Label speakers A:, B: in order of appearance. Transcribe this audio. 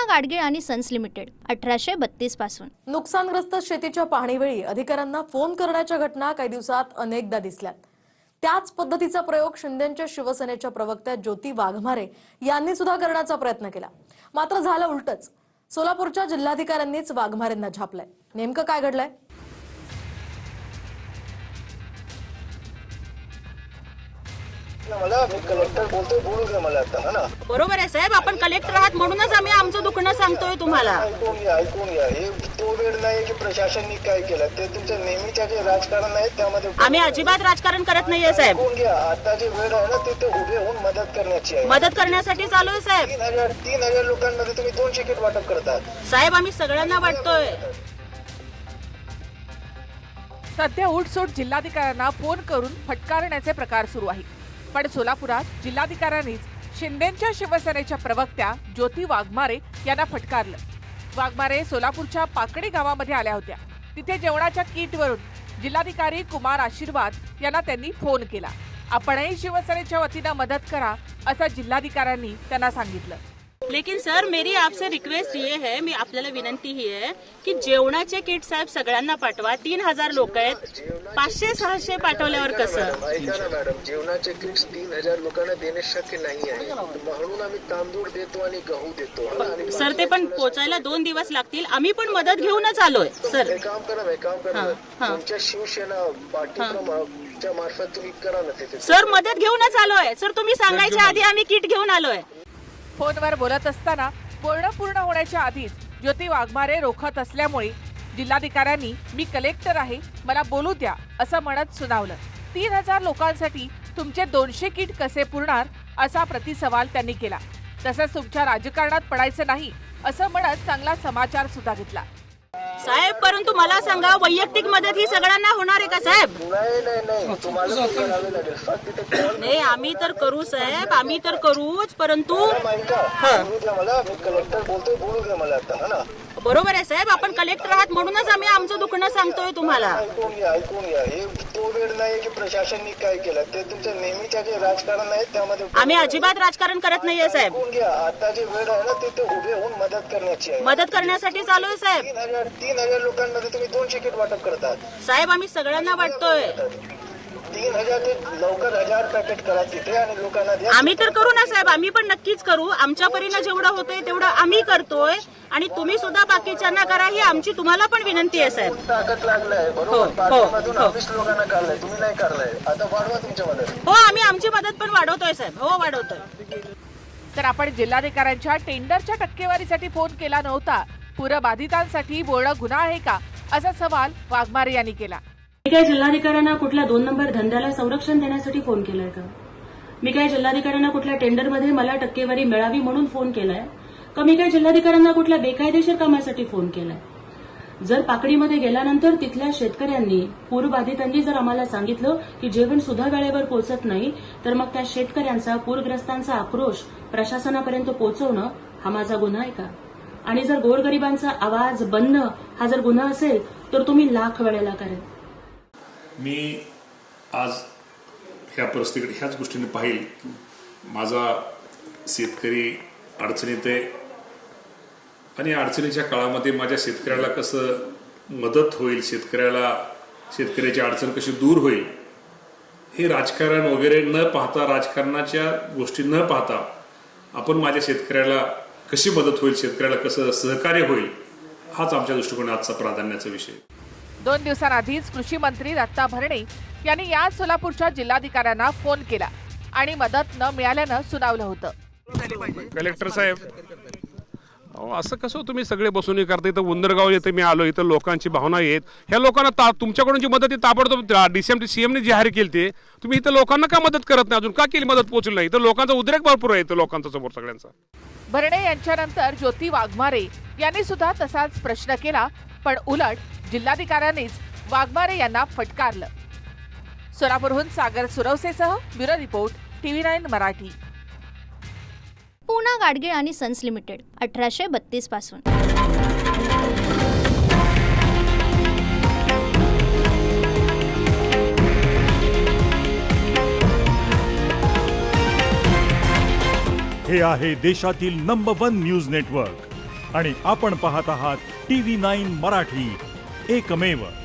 A: गाडगीळ आणि sons limited 1832 पासून।
B: नुकसानग्रस्त शेतीच्या पाहणीवेळी अधिकाऱ्यांना फोन करण्याच्या घटना काही दिवसात अनेकदा दिसल्यात। त्याच पद्धतीचा प्रयोग शिंदेच्या शिवसेनेच्या प्रवक्त्या ज्योती वाघमारे यांनी सुद्धा करण्याचा प्रयत्न केला, मात्र झालं उलटच। सोलापूरच्या जिल्हाधिकाऱ्यांनीच वाघमारेंना झापलंय। नेमकं काय घडलंय?
C: मला मी कलेक्टर बोलतोय, बोलू द्या मला आता, है ना?
D: बरोबर आहे साहेब, आपण कलेक्टर आहात म्हणूनच आम्ही आमचं दुखणं सांगतोय तुम्हाला।
C: ऐकून घ्या हे तो वेळ नाही की प्रशासनाने काय केलं, ते तुमचं नेहमीच्या जे राजकारण आहे त्यामध्ये
D: आम्ही अजिबात राजकारण करत नाहीये साहेब।
C: ऐकून घ्या, आता जे वेळ आहे ना ते उभे होऊन मदत करण्याची आहे।
D: मदत करण्यासाठी चालू आहे साहेब।
C: 3,000 लोकांमध्ये तुम्ही 200 किट वाटप करतात
D: साहेब, आम्ही सगळ्यांना वाटतोय।
E: सध्या उठसूट जिल्हाधिकाऱ्यांना फोन करून फटकारण्याचे प्रकार सुरू आहेत। पण सोलापुरात जिल्हाधिकाऱ्यांनीच शिंदेच्या शिवसेनेच्या प्रवक्त्या ज्योती वाघमारे यांना फटकारलं। वाघमारे सोलापूरच्या पाकडी गावामध्ये आल्या होत्या। तिथे जेवणाच्या किटवरून जिल्हाधिकारी कुमार आशीर्वाद यांना त्यांनी फोन केला। आपणही शिवसेनेच्या वतीनं मदत करा असं जिल्हाधिकाऱ्यांनी त्यांना सांगितलं।
D: लेकिन सर, मेरी आपसे रिक्वेस्ट ये है, मी आपल्याला विनंती ही आहे की जेवणाचे किट साहेब सगळ्यांना पाठवा। 3,000 लोक आहेत, 500-600 पाठवल्यावर कसं?
C: ऐका ना मॅडम, जेवणाचे किट्स 3,000 लोकांना देणे शक्य नाही आहे, म्हणून आम्ही तांदूळ देतो आणि गहू देतो।
D: सर, ते पण पोचायला 2 दिवस लागतील। आम्ही पण मदत घेऊनच आलोय सर।
C: एक काम करा तुमच्या शिवसेना पाठीच्या मार्फत तुम्ही करा ना तिथे।
D: सर, मदत घेऊनच आलोय सर, तुम्ही सांगायच्या आधी आम्ही किट घेऊन आलोय।
E: फोनवर बोलत असताना बोलणं पूर्ण होण्याच्या आधीच ज्योती वाघमारे रोखत असल्यामुळे जिल्हाधिकाऱ्यांनी मी कलेक्टर आहे, मला बोलू द्या असं म्हणत सुनावलं। 3,000 लोकांसाठी तुमचे 200 किट कसे पुरणार असा प्रतिसवाल त्यांनी केला। तसंच तुमच्या राजकारणात पडायचं नाही असं म्हणत चांगला समाचार सुद्धा घेतला।
D: साहेब, परंतु मला सांगा, वैयक्तिक मदत ही सगळ्यांना होणार आहे का साहेब?
C: नाही तुम्हाला करावे लागेल फक्त तिथे कॉल
D: नाही, आम्ही तर करू साहेब, आम्ही तर करूच, परंतु
C: बोलू द्या मला, मी कलेक्टर बोलतोय, बोलू द्या मला आता, है ना?
D: बरोबर आहे साहेब, आपण कलेक्टर आहात म्हणूनच आम्ही आमचं दुखणं सांगतोय तुम्हाला।
C: ऐकून घ्या हे तो वेळ नाही की प्रशासनाने काय केलं, ते तुमचं नेहमीच्या जे राजकारण आहे त्यामध्ये
D: आम्ही अजिबात राजकारण करत नाहीये साहेब।
C: ऐकून घ्या, आता जे वेळ आहे ना ते उभे होऊन मदत करण्याची आहे।
D: मदत करण्यासाठी चालू आहे साहेब।
C: 3,000 लोकांमध्ये तुम्ही 200 किट वाटप करतात
D: साहेब, आम्ही सगळ्यांना वाटतोय।
C: 3,000 ते लवकर 1,000 पॅकेट करा तिथे आणि लोकांना द्या।
D: आम्ही तर करू ना साहेब, आम्ही पण नक्कीच करू। आमच्या परीनं जेवढं होतंय तेवढं आम्ही करतोय आणि तुम्ही सुद्धा बाकीच्यांना करा, ही आमची तुम्हाला पण विनंती आहे साहेब।
C: ताकद लागलाय बरोबर, पाठीमधून 20 लोकांना काढलाय, तुम्ही नाही काढलाय, आता वाढवा तुमच्या मदत।
D: हो, आम्ही आमची मदत पण वाढवतोय साहेब, हो वाढवतोय।
E: तर आपण जिल्हाधिकाऱ्यांच्या टेंडरच्या टक्केवारीसाठी फोन केला नव्हता, पूरबाधितांसाठी बोलणं गुन्हा आहे का असा सवाल वाघमारे यांनी केला।
D: मी काय जिल्हाधिकाऱ्यांना कुठल्या 2 नंबर धंद्याला संरक्षण देण्यासाठी फोन केलाय का? मी काय जिल्हाधिकाऱ्यांना कुठल्या टेंडरमध्ये मला टक्केवारी मिळावी म्हणून फोन केलाय का? मी काय जिल्हाधिकाऱ्यांना कुठल्या बेकायदेशीर कामासाठी फोन केलाय? जर पाकडीमध्ये गेल्यानंतर तिथल्या शेतकऱ्यांनी, पूरबाधितांनी जर आम्हाला सांगितलं की जेवण सुद्धा वेळेवर पोहोचत नाही, तर मग त्या शेतकऱ्यांचा, पूरग्रस्तांचा आक्रोश प्रशासनापर्यंत पोहोचवणं हा माझा गुन्हा आहे का? आणि जर गोरगरिबांचा आवाज बनणं हा जर गुन्हा असेल तर तुम्ही लाख वेळेला करेल।
F: मी आज ह्या परिस्थितीकडे ह्याच गोष्टीने पाहिल, माझा शेतकरी अडचणीत आहे आणि अडचणीच्या काळामध्ये माझ्या शेतकऱ्याला कसं मदत होईल, शेतकऱ्याची अडचण कशी दूर होईल, हे राजकारण वगैरे न पाहता, राजकारणाच्या गोष्टी न पाहता आपण माझ्या शेतकऱ्याला कशी मदत होईल, शेतकऱ्याला कसं सहकार्य होईल, हाच आमच्या दृष्टिकोनात आजचा प्राधान्याचा विषय।
E: 2 दिवसांआधीच कृषी मंत्री दत्ता भरणे यांनी या सोलापूरच्या जिल्हाधिकाऱ्यांना फोन केला आणि मदत न मिळाल्यानं सुनावलं होतं।
G: कलेक्टर साहेब, असं कसं तुम्ही सगळे बसून करता? इथं उंदरगाव येथे मी आलो, इथं लोकांची भावना आहेत, ह्या लोकांना तुमच्याकडून जी मदत ताबडतोब सीएमने जाहीर केली, ते तुम्ही इथं लोकांना का मदत करत नाही? अजून का केली मदत पोहोचली नाही? तर लोकांचा उद्रेक भरपूर आहे इथं लोकांचा समोर सगळ्यांचा।
E: भरणे यांच्यानंतर ज्योती वाघमारे यांनी सुद्धा तसाच प्रश्न केला, पण उलट जिल्हाधिकाऱ्यांनीच वाघमारे यांना फटकारलं। सोलापूरहून सागर सुरवसेसह bureau report, TV9 Marathi.
A: Poona Gadgil आणि सन्स लिमिटेड 1832 पासून।
H: हे आहे देशातील नंबर 1 न्यूज नेटवर्क आणि आपण पाहत आहात TV9 मराठी, एकमेव